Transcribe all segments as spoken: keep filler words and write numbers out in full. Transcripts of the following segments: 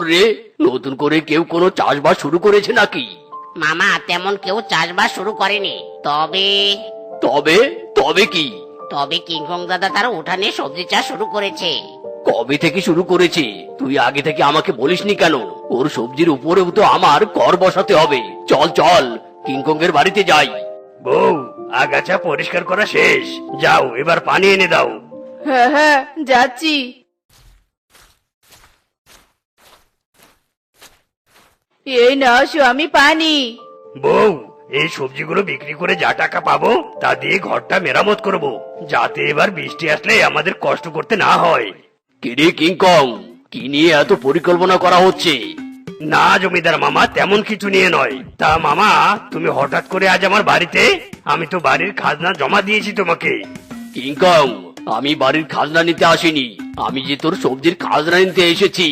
রে, নতুন করে কেউ কোনো চাষবাস শুরু করেছে নাকি? মামা তেমন কেউ চাষবাস শুরু করেনি, তবে তবে তবে কি? তবে কিংকং দাদা তার উঠানে সবজি চাষ শুরু করেছে। কবে থেকে শুরু করেছে? তুই আগে থেকে আমাকে বলিসনি কেন? ওর সবজির উপরেও তো আমার কর বসাতে হবে। চল চল, কিংকং এর বাড়িতে যাই। বউ, আগাছা পরিষ্কার করা শেষ, যাও এবার পানি এনে দাও। হ্যাঁ হ্যাঁ যাচ্ছি। এই নাও স্বামী পানি। বউ, এই সবজিগুলো বিক্রি করে যা টাকা পাবো তা দিয়ে ঘরটা মেরামত করব, যাতে এবার বৃষ্টি আসলে আমাদের কষ্ট করতে না হয়। কিরে কিংকং, কি নিয়ে এত পরিকল্পনা করা হচ্ছে? না জমিদার মামা, তেমন কিছু নিয়ে নয়। তা মামা, তুমি হঠাৎ করে আজ আমার বাড়িতে? আমি তো বাড়ির খাজনা জমা দিয়েছি তোমাকে। কিংকং, আমি বাড়ির খাজনা নিতে আসিনি, আমি যে তোর সবজির খাজনা নিতে এসেছি।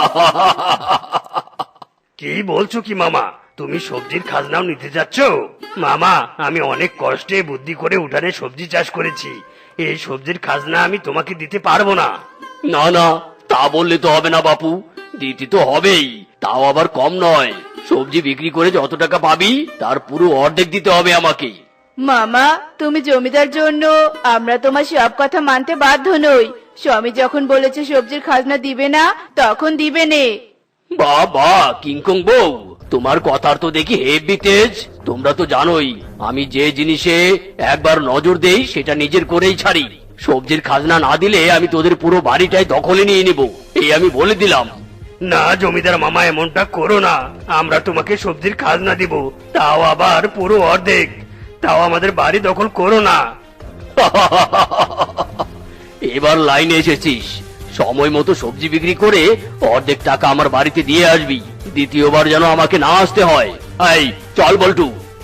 কি বলছো কি মামা, তুমি সবজির খাজনাও নিতে যাচ্ছ? মামা, আমি অনেক কষ্টে বুদ্ধি করে উঠানে সবজি চাষ করেছি, এই সবজির খাজনা আমি তোমাকে দিতে পারবো না। না না, তা বললে তো হবে না বাপু, দিতে তো হবেই, তাও আবার কম নয়। সবজি বিক্রি করে যত টাকা পাবি তার পুরো অর্ধেক দিতে হবে আমাকে। মামা, তুমি জমিদার জন্য আমরা তোমার সব কথা মানতে বাধ্য নই। স্বামী যখন বলেছে সবজির খাজনা দিবে না, তখন দিবে নে। বাহ বাহ কিংকং বউ, তোমার কথার তো দেখি হেভি তেজ। তোমরা তো জানোই আমি যে জিনিসে একবার নজর দেই সেটা নিজের করেই ছাড়ি। সবজির খাজনা না দিলে আমি তোদের পুরো বাড়িটাই দখলে নিয়ে নিব, এই আমি বলে দিলাম। না জমিদার মামা, এমনটা করো না। আমরা তোমাকে সবজির খাজনা দিব, তাও আবার পুরো অর্ধেক। তাও আমাদের বাড়ি দখল করো না। এবার লাইনে এসেছিস, সময় মতো সবজি বিক্রি করে অর্ধেক টাকা আমার বাড়িতে দিয়ে আসবি, দ্বিতীয়বার যেন আমাকে না আসতে হয়। এই চল বল্টু।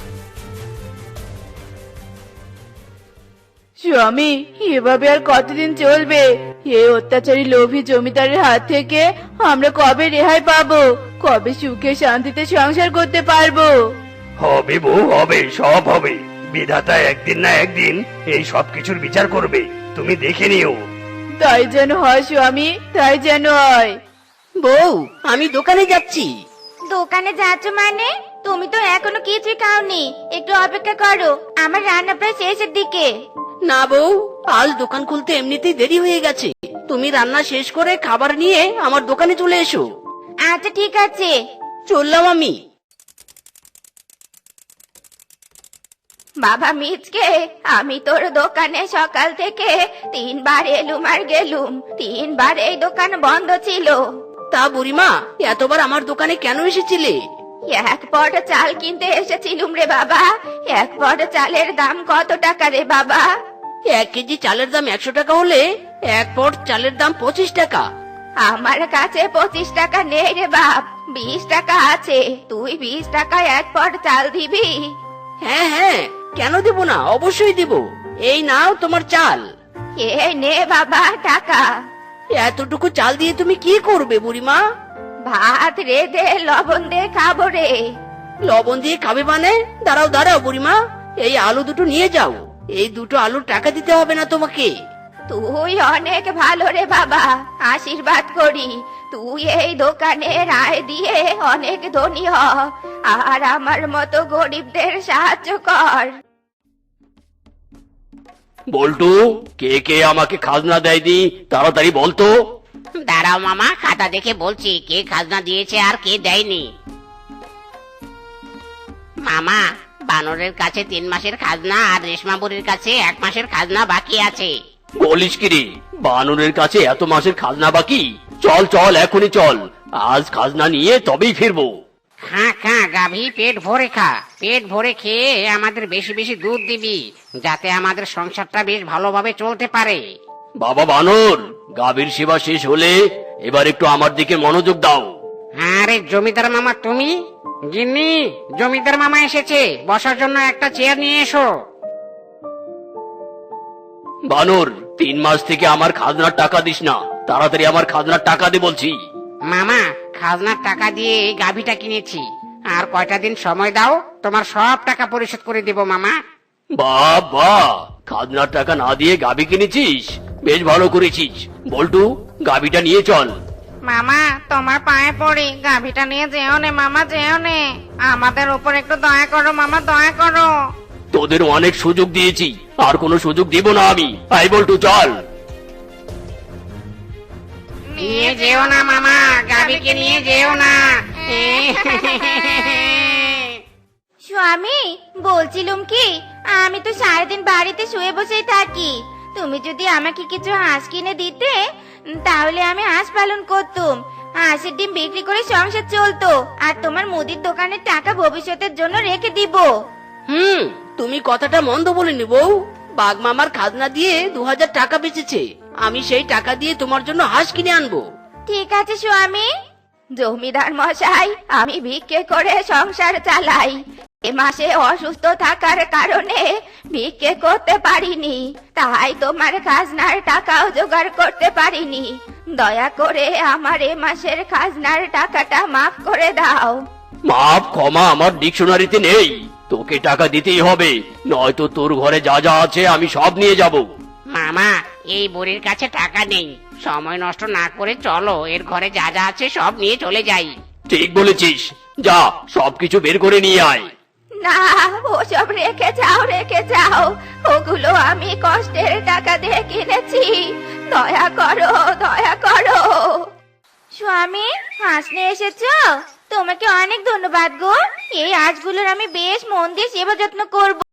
স্বামী, এভাবে আর কতদিন চলবে? এই অত্যাচারী লোভী জমিদারের হাত থেকে আমরা কবে রেহাই পাবো? কবে সুখে শান্তিতে সংসার করতে পারবো? হবে বউ, হবে, সব হবে। বিধাতা একদিন না একদিন এই সব কিছুর বিচার করবে, তুমি দেখে নিও। তাই যেন হয় স্বামী, তাই যেন হয়। বউ, আমি দোকানে যাচ্ছি। দোকানে যাচ্ছ মানে? তুমি তো এখনো কিছুই খাওনি, একটু অপেক্ষা করো, আমার রান্না প্রায় শেষের দিকে। না বউ, আজ দোকান খুলতে এমনিতেই দেরি হয়ে গেছে, তুমি রান্না শেষ করে খাবার নিয়ে আমার দোকানে চলে এসো। আচ্ছা ঠিক আছে। চললাম আমি। বাবা মিচকে, আমি তোর দোকানে সকাল থেকে তিনবার এলুম আর গেলুম, তিনবার এই দোকান বন্ধ ছিল। তা বুড়িমা, এতবার আমার দোকানে কেন এসেছিলে? এক পট চাল কিনতে এসেছিলুম রে বাবা। এক পট চালের দাম কত টাকা রে বাবা? এক কেজি চালের দাম একশো টাকা হলে এক পট চালের দাম পঁচিশ টাকা। আমার কাছে পঁচিশ টাকা নেই রে বাপ, বিশ টাকা আছে। তুই বিশ টাকায় এক পট চাল দিবি? হ্যাঁ হ্যাঁ, কেন দেব না, অবশ্যই দেব। এই নাও তোমার চাল। এই নে বাবা টাকা। এতটুকু চাল দিয়ে তুমি কি করবে বুড়িমা? ভাত রেঁধে লবণ দিয়ে খাবো রে। লবণ দিয়ে খাবে মানে? দাঁড়াও দাঁড়াও বুড়িমা, এই আলু দুটো নিয়ে যাও। এই দুটো আলুর টাকা দিতে হবে না তোমাকে। তুই অনেক ভালো রে বাবা, আশীর্বাদ করি তুই এই দোকানের আয় দিয়ে অনেক ধনী হ, আর আমার মতো গরিবদের সাহায্য কর। বল্টু, কে কে আমাকে খাজনা দেয়নি তাড়াতাড়ি বলতো। দাঁড়াও মামা, খাতা দেখে বলছি কে খাজনা দিয়েছে আর কে দেয়নি। মামা, বানরের কাছে তিন মাসের খাজনা আর রেশমা বুড়ির কাছে এক মাসের খাজনা বাকি আছে। বলিস কি রে, বানরের কাছে এত মাসের খাজনা বাকি? চল চল এখনই চল, আজ খাজনা নিয়ে তবেই ফিরবো। খা খা গাভী, পেট ভরে খা, পেট ভরে খেয়ে আমাদের বেশি বেশি দুধ দিবি, যাতে আমাদের সংসারটা বেশ ভালোভাবে চলতে পারে। বাবা বানর, গাভীর সেবা শেষ হলে এবার একটু আমার দিকে মনোযোগ দাও। আরে জমিদার মামা তুমি? গিন্নি, জমিদার মামা এসেছে, বসার জন্য একটা চেয়ার নিয়ে এসো। বানর, তিন মাস থেকে আমার খাজনার টাকা দিস না, তাড়াতাড়ি আমার খাজনার টাকা দে বলছি। মামা, খাজনার টাকা দিয়ে এই গাভীটা কিনেছি, আর কয়টা দিন সময় দাও, তোমার সব টাকা পরিশোধ করে দেব মামা। বাহ বাহ, খাজনার টাকা না দিয়ে গাভী কিনেছিস, বেশ ভালো করেছিস। বল্টু, গাভীটা নিয়ে চল। মামা তোমার পায়ে পড়ি, গাভীটা নিয়ে যেও নে মামা, যেও নে। আমাদের উপর একটু দয়া করো মামা, দয়া করো। তোদের অনেক সুযোগ দিয়েছি, আর কোনো সুযোগ দিব না আমি। আই বল্টু চল। নিয়ে যেও না মামা, গাভীকে নিয়ে যেও না। স্বামী, বলছিলুম কি, আমি তো সারাদিন বাড়িতে শুয়ে বসেই থাকি। তুমি যদি আমাকে কিছু হাঁস কিনে দিতে, উম, তাহলে আমি হাঁস পালন করতুম। হাঁসের ডিম বিক্রি করে সংসার চলতো, আর তোমার মুদির দোকানের টাকা ভবিষ্যতের জন্য রেখে দিব। হুম, তুমি কথাটা মন্দ বলিনি বউ। বাঘ মামার খাজনা দিয়ে দু হাজার টাকা বেঁচেছে, আমি সেই টাকা দিয়ে তোমার জন্য হাঁস কিনে আনবো। ঠিক আছে স্বামী। জমিদার মশাই, আমি ভিক্ষে করে সংসার চালাই। এ মাসে অসুস্থ থাকার কারণে ভিক্ষে করতে পারিনি, তাই তোমার খাজনার টাকাও জোগাড় করতে পারিনি। দয়া করে আমার এ মাসের খাজনার টাকাটা মাফ করে দাও। মাপ ক্ষমা আমার ডিকশনারিতে নেই, তোকে টাকা দিতেই হবে, নয়তো তোর ঘরে যা যা আছে আমি সব নিয়ে যাব। মামা, এই বুড়ির কাছে টাকা নেই, সময় নষ্ট না করে চলো, এর ঘরে যা যা আছে সব নিয়ে চলে যাই। ঠিক বলেছিস, যা সবকিছু বের করে নিয়ে আয়। না, ওসব রেখে যাও, রেখে যাও। ওগুলো আমি কষ্টের টাকা দিয়ে কিনেছি। দয়া করো, দয়া করো। স্বামী, হাঁস নিয়ে এসেছো? তোমাকে অনেক ধন্যবাদ গো। এই হাঁসগুলোর আমি বেশ মন দিয়ে সেবা যত্ন করব।